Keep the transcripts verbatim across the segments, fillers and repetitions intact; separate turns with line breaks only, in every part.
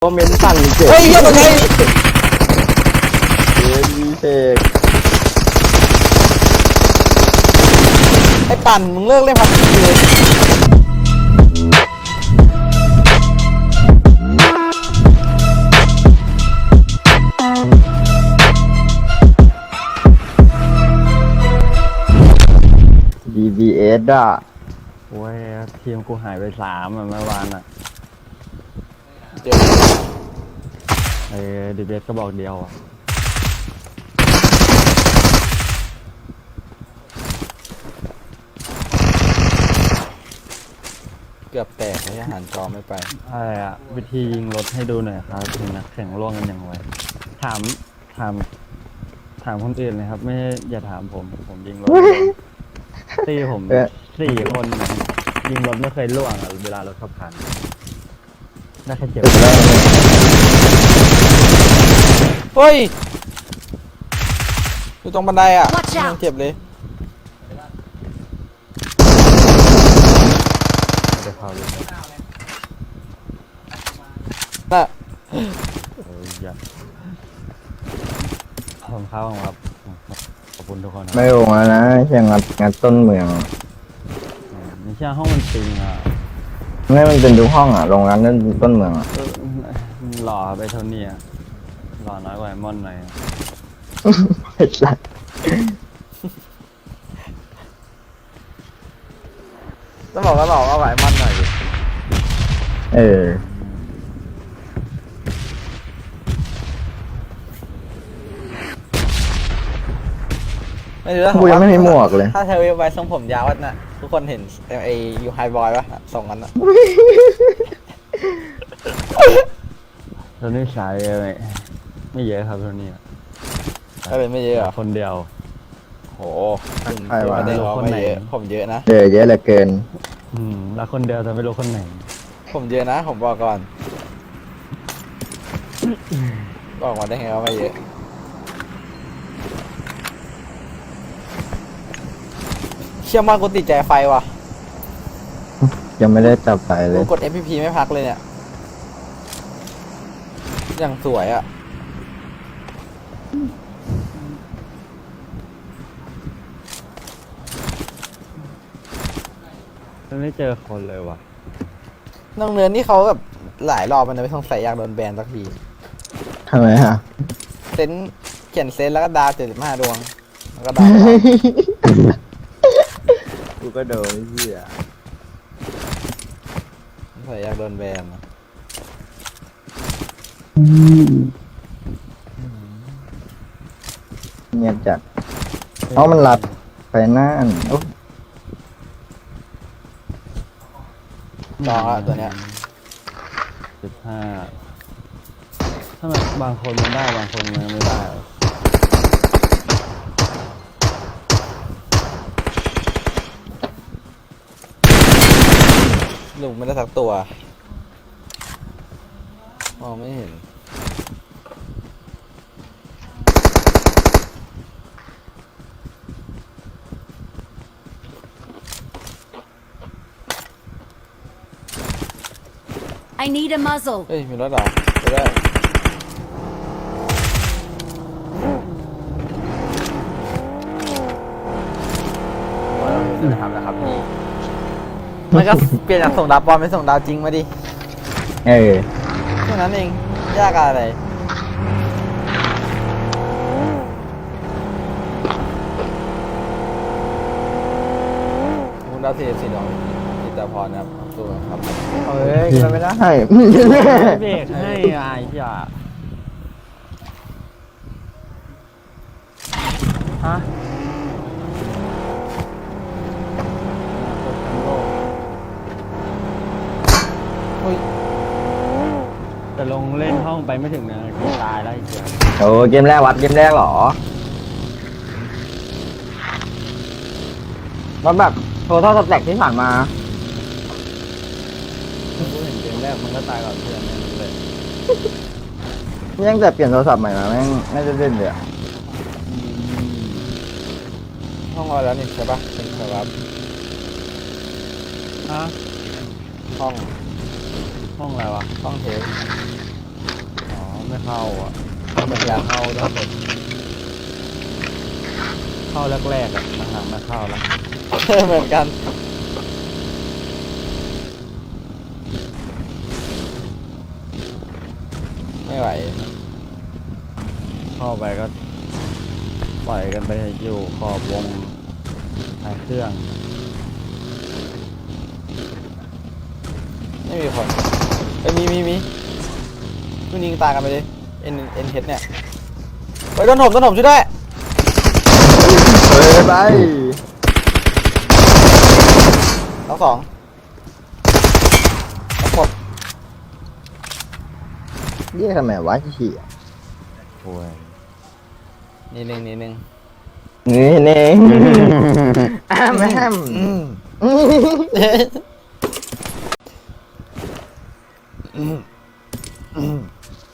คอมเมนต์สั่งเจ็บ
เฮ้ยยังไง
เอ็นวีเทค
ไอ้ปั่นมึงเลิกเล่นพับจีเลย
ดีบีเอสอ่ะโอ้ยทีมกูหายไปสามอ่ะเมื่อวานอ่ะ
เดี๋ยว
เออดีบีเอสก็บอกเดียวอ่ะ
เกือบแตกไอ้อาหารจอไม่ไป
อะไรอ่ะวิธียิงรถให้ดูหน่อยครับถึงนักแข่งร่วงกันอย่างไรถามถามถามคนอื่นเลยครับ ไม่อย่าถามผมผมยิงรถตีผมสี่คนยิงรถไม่เคยร่วงอ่ะเวลารถขับผ่านน่าแค่เจ็บ
เฮ้ยอยู่ตรงบันไดอ่ะ
Watch out
ยังเจ็บเลย
ไม่ได้เข้าเลย
น่ะ
เอออย่าผมเข้าครับขอบคุณทุกคนครับ
ไม่ลงแล้วนะแค่งัดงัดต้นเมือง
ไม่ใช่ห้องมันปิงอ่ะ
ไม่มันเป็นทุกห้องอ่ะลงงัดต้นต้นเมืองอ่ะ
เออหล่อไปเท่านี้อ่ะหล่อน้อยกว่าไอ้มอนหน่อย
ไอ้สัส
ต้องบอกว่าหลอกเอาไหวมันหน่อยดิ
เออ
ไม่รู้แล้ว
กูยังไม่มีหมวกเลย
ถ้าเธอไว้ทรงผมยาวน่ะทุกคนเห็นไอ้ยูไฮบอยปะส่งกันน่ะ
เท่านี้สายไม่ไม่เยอะครับเท่านี้อะ
ก็เลยไม่เยอะเหรอ
คนเดียว
โห
ใครวะ
ไม่ได้ร้อง
คน
ไม่
ไหน
เยอะผมเยอะนะ
เจอเยอะเหลือเกิน
อืมแล้วคนเดียวแต่ไม่รู้คนไหน
ผมเยอะนะผมบอกก่อนบอกมาได้ไงว่าไม่เยอะเชื่อมากกูติดใจไฟว่ะ
ยังไม่ได้จับไปเล
กู
ย
กด เอฟ พี พี ไม่พักเลยเนี่ยอย่างสวยอ่ะ
ไม่เจอคนเลยว่ะ
น้องเนินนี่เขาแบบหลายรอบมันนะไม่ต้องใส่อยากโดนแบนสักที
ทำไมฮะ
เซนเขียนเซนแล้วก็ดาวเจ็ดสิบห้าดวงแล้วก็ดาว
กูก็โดนเหี้ย
ใส่อยากโดนแบนนะ
เงียบจัดเพราะมันหลับไปน่านโอ้
ลองอ่ะตัวเนี้ย
สิบห้าถ้าแบบบางคนมันได้บางคนมันไม่ได้อะ
ลุงไม่ได้สักตัวมองไม่เห็น
I need a muzzle.
เฮ้ยมีรถเหรอไปได้จะทำแล้วครับพี่มันก็เปลี่ยนจากส่งดาวปลอมเป็นส่งดาวจริงมาดิ
เออ
แค่นั้นเองยากอะไรคุณดาวสี่สิบสี่ดวงจิตาพรนะครับตัวครับ
เฮ้ยกินไม่ได้
เบรกให้ไอ้จ่าฮะโอ้ยแต่ลงเล่นห้องไปไม่ถึงนะตายแล้วไอ้เจ้า
โอ้เกมแรกวัดเกมแรกเหรอมันแบบโทรเท่าสแต็กที่ผ่านมา
กูเห็นเกมแรกมันก็ตายก่อนเพื่อนนั่นเลย
ยังแต่เปลี่ยนโทรศัพท์ใหม่มาแม่งไม่ได้เล่นเลยอะ
ห้องอะไรแล้วนี่ใช่ปะเป็นครับ
ฮะ
ห้อง
ห้องอะไรวะ
ห้องเทป
เข้าอ่ะมันอยากเข้าแล้วแบบเข้าแรกๆอ่ะหลังๆไม่เข้าแล้ว
เหมือนกันไม่ไหว
เข้าไปก็ปล่อยกันไปอยู่ขอบวงท้ายเครื่อง
ไม่มีคนเอ้ยมีมีมีมึงยิงตายกันไปเลยเอ็นเอ็นเฮดเนี่ยไปโดนถมโดนถมช่วยด้วย
เฮ้ยไป
ทั้งสองทั้งหมด
เรียกทำไมวะขี้
โอ้ย
นี่หนึ่งนี่หนึ่ง
นี่เน่งอ้ามแอม
อืมอืมอืม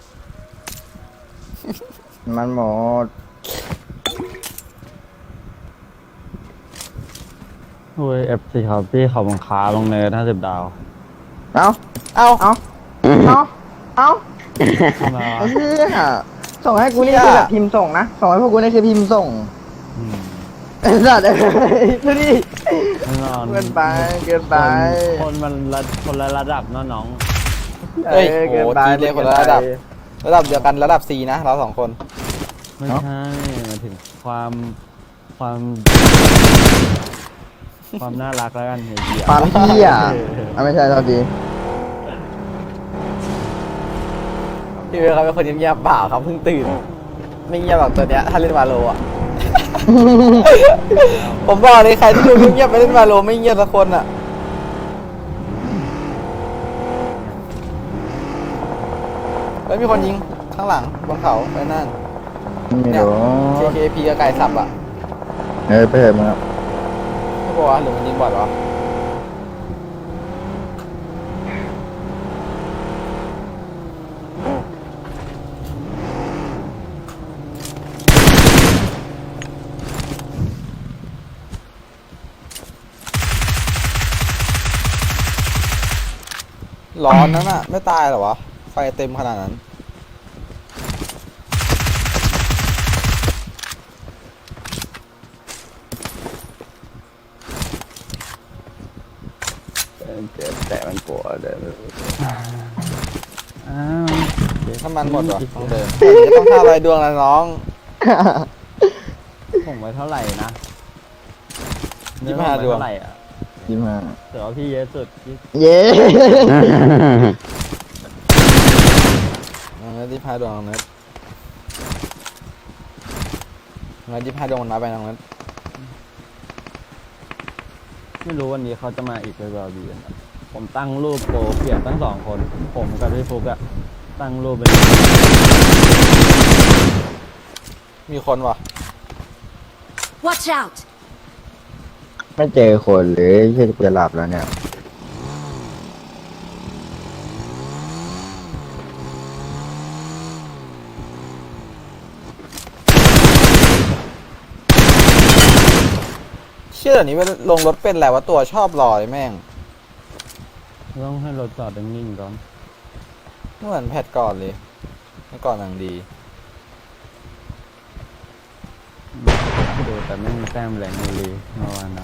มันหมด
โอ้ยเอฟซีครับพี่เขาบังคาลงเนินห้าสิบดาว
เอ้า
เอ้า
เอ้าเอ้าเอ้า
ทำไมวะ
ไอ้เหี้ยส่งให้กูนี่คือแบบพิมพ์ส่งนะส่งให้พวกกูนี่คือพิมพ์ส่ง
อืม
ไอ้สัตว์เอ้ยดูดิ
แน่นอน
เกินไปเกินไป
คนคนมันระคนละระดับเนาะน้อง
เฮ้ย
ออ
โหจีนเรียกคนละระดับ ระดับเดียวกันระดับ C นะเราสองคน
ไม่
เนอะ
ใช่หมายถึงความความ ความน่ารักแล้วกันเฮีย
ความเหี้ยอ่ะไม่ใช่เท่าที
พี่เวลเขาเป็นคนเงียบๆเปล่าครับเพิ่งตื่น ไม่เงียบแบบตัวเนี้ยถ้าเล่นวาโลอ่ะ ผมบอกเลยใครที่ดูเงียบๆไปเล่นวาโลไม่เงียบสักคนอ่ะเฮ้ยมีคนยิงข้างหลังบนเขาไปนั่น
ไม่
เนี่ย
รู้
เค เค พี กับไก่สับอ่ะ
เออไปเถอะมึงอะ
ไม่บอกว่าหรือมันยิงบอดวะร้อนนั่นน่ะ ไม่ตายเหรอวะ ไฟเต็มขนาดนั้น
เจ็บแต่มันปวดเลยอ้าว
ถ้ามันหมดวะต้องเดินจะต้องฆ่าลอยดวงแล้วน้อง
ผมไว้เท่าไหร่นะ
ยี่สิบห้า
เนื้อผมไว้
ดวง
เท่าไหร่อ่ะ
ยิ้มมา
แต่ว่าพี่เยอะสุดพี่
เย้
น้องเน็ตยี่สิบห้าดวงน้องเน็ตน้องเน็ตยี่สิบห้าดวงมันมาไปน้องเน็ต
ไม่รู้วันนี้เขาจะมาอีกหรือเปล่าดีนะผมตั้งรูปโปรเปลี่ยนตั้งสองคน ผมกับพี่ฟุกอะตั้งรูปเป็น
มีคนวะ
Watch out!
ไม่เจอคนเลยเชี่ยจะหลับแล้วเนี่ย
เชื่อเดี๋ยวนี้เวลาลงรถเป็นแหละว่าตัวชอบรอเลยแม่ง
ต้องให้รถจอดนิ่งๆก่อน
เหมือนแพทก่อนเลยเมื่อก่อนหนังดี
ดูแต่ไม่มีแต้มแหลงอยู่เลยเมื่อวานนะ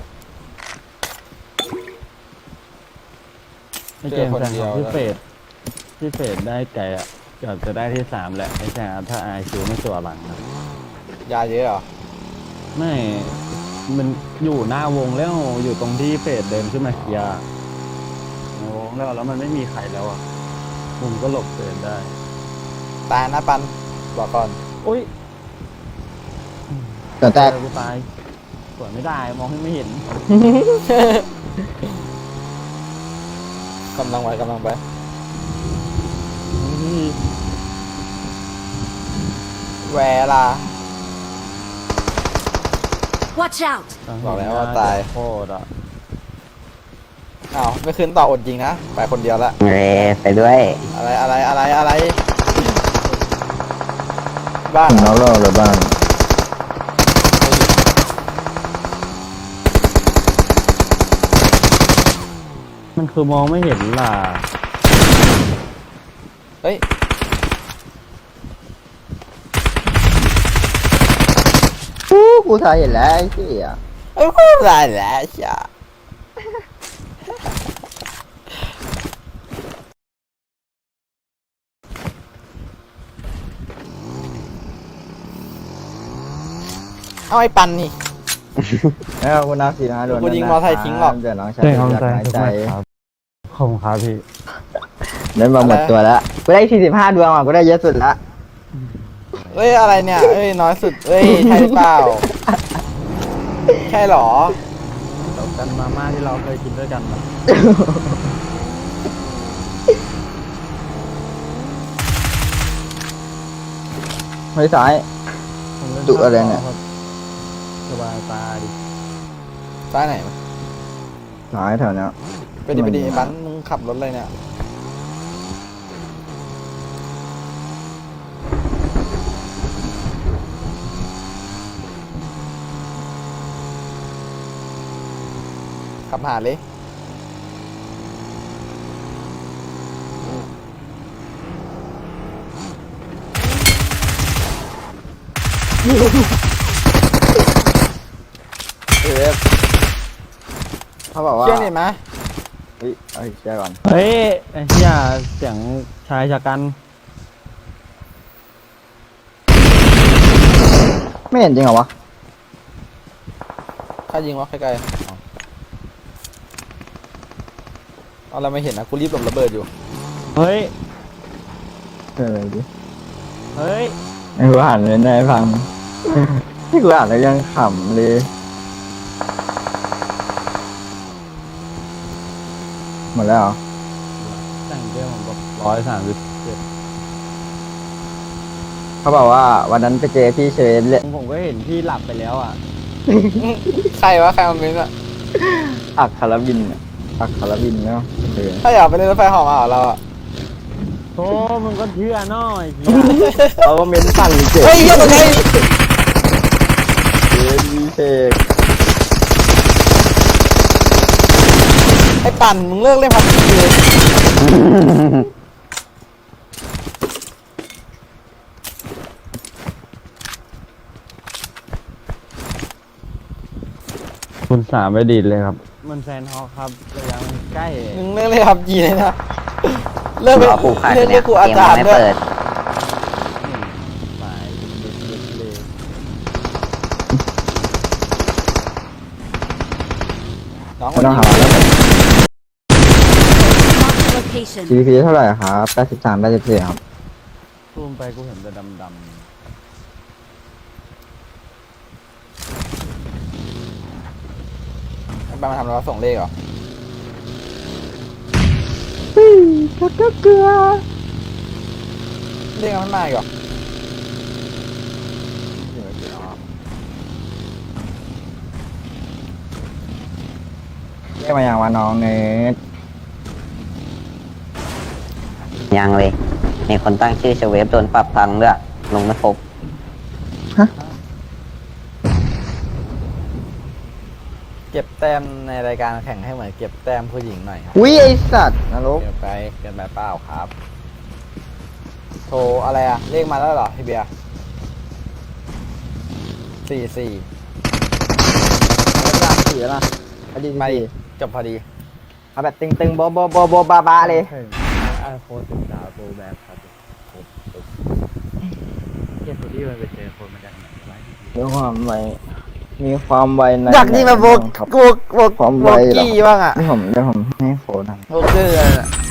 ไอเกมแซงของพี่เฟดพี่เฟดได้ไก่อะเกือบจะได้ที่สามแหละไอแซงถ้าไอคิวไม่ตัวหลังนะ
ยาเยอะเหรอ
ไม่มันอยู่หน้าวงแล้วอยู่ตรงที่เฟดเดินขึ้นมาเคลียร์ในวงแล้วแล้วมันไม่มีใครแล้วอ่ะผมก็หลบเฟดได้
ตายนะปันบอกก่อน
อุ้ย
แต่แตก
เจอกูตายสวยไม่ได้มองให้ไม่เห็น
กำลังไปกำลังไปแวลา
Watch out!
บอกแล้วว่าตาย
โคตรอ่ะ
อ้าวไม่ขึ้นต่ออดจริงนะไปคนเดียวละ
เรไปด้วย
อะไรอะไรอะไรอะไรบ้าน
น้องเราเลยบ้าง
มันคือมองไม่เห็นล่ะ
เฮ้ย
กูทายเห็นแล้วไอ้เหี้ย
ไอ้พูดอะไรแหละจ้ะเอาไอ้ปันนี่
แล้วกูนับสี่ห้าโดน
กูยิงมอไซค์ทิ้งหรอก
เดี๋ยวน้องชาย
ใช่ครับ
อยาก
ใจ
หาย
ทุก
ใจ
คนครับขอบคุณครับพี่
เล่นมาหมดตัวแล้วกูได้สี่สิบห้าดวงอ่ะกูได้เยอะสุดละ
เอ้ยอะไรเนี่ยเอ้ยน้อยสุดเอ้ยใช่หรือเปล่าใช่เหรอ
จบกันมาม่าที่เราเคยกินด้วยกันนะ
เฮ้ยซ้าย
ผมล่
ดุอะไรเนี่ย
ครับสบายตาดิ
ซ้ายไหน
ซ้ายแถวเนี้ย
ไปดิไปดิไอ้ปันมึงขับรถอะไรเนี่ยขับหาเลย
เอฟเขาบอกว่า
เชื่อนี่ไหม
เฮ้ยเอาอีกเชื่อก่อน
เฮ้ยไอ้เหี้ยเสียงชายชะกัน
ไม่เห็นจริงเหรอวะ
ถ้ายิงวะใกล้ๆเอาเอาเราไม่เห็นนะกูรีบหลบระเบิดอยู่
เฮ้ย
เออดิ
เฮ้ย
ไอ้กูอ่านเลยนายฟัง ที่กูอ่านแล้วยังขำเลยหมดแล้วเหรอ
แต่งเกมผมกับร้อยสามสิบเจ็ด
เขาบอกว่าวันนั้นไปเจอพี่เชยเลย
ผมก็เห็นพี่หลับไปแล้วอ่ะ
ใครวะใครมาเป็นอ่ะ
อักคาราบินอะอักคาราบินเนาะเออ
ถ้าอยากไปเล่นรถไฟเหอมาเหรอเราอ่ะ
โธ่มึงก็เชื่อหน่อยเหี้ย
เขาก็เม้นสั่นเจ็บ
เฮ้ยเหี้ยังไง
เจอพี่เชย
ไอ้ปั่นมึงเลิกเล่นพับจีเลย
คุณสามไปดีดเลยครับ มันแฟนฮอกครับระยะมันใกล้
มึงเลิกเล่นพับจีเลยนะเลิกไป
รอกูขาด
เลิก
เนี่
เล่
ย
นกู
เก
อาม จารย์
ไม่
ด้วย
เปิด
สายเด็กๆเลย
น้องค
ไม่
น
ต้อง
นี้
หาแล้ว
Marked a location.
จี พี เท่าไหร่ครับแปดสิบสามแปดสิบสี่ครับ
ซูมไปกูเห็นแต่ดำ
ไอ้ปั่นมาทำอะไรวะส่งเลขเหรอ
ก็ก็เกลือ
เลขมันไม่มาอีกเหรอ
เรียกมาอย่างว่าน้องเนท
ยังเลย มีคนตั้งชื่อเชเวฟโดนปรับพังด้วยลงไม่ครบ
เก็บแต้มในรายการแข่งให้เหมือนเก็บแต้มผู้หญิงหน่อยครับ
อุ้ยไอสัตว์นรก
เกินไปเกินไปเปล่าครับ โทรอะไรอะเลขมาแล้วเหรอพี่เบียร์สี่สี่
สามสี่ละอดีต
ไป
สี่
จบพอดี
เอาแบบตึงๆโบโบโบโบบาบา
ๆ
เลย
ไอโฟนสิบสามโปรแบ็คครับเกียร์สุดที่มันไปเจอคนมาจากไหนวะ
มีความไวมีความไวใน
อยากยิงแบบโบก
ครับ
โบกโบก
ความ
โบ
ไวเหรอ
กี้บ้างอะ
นี่ผมเดี๋ยวผมให้โฟนนะ
โบกเกอร์อะ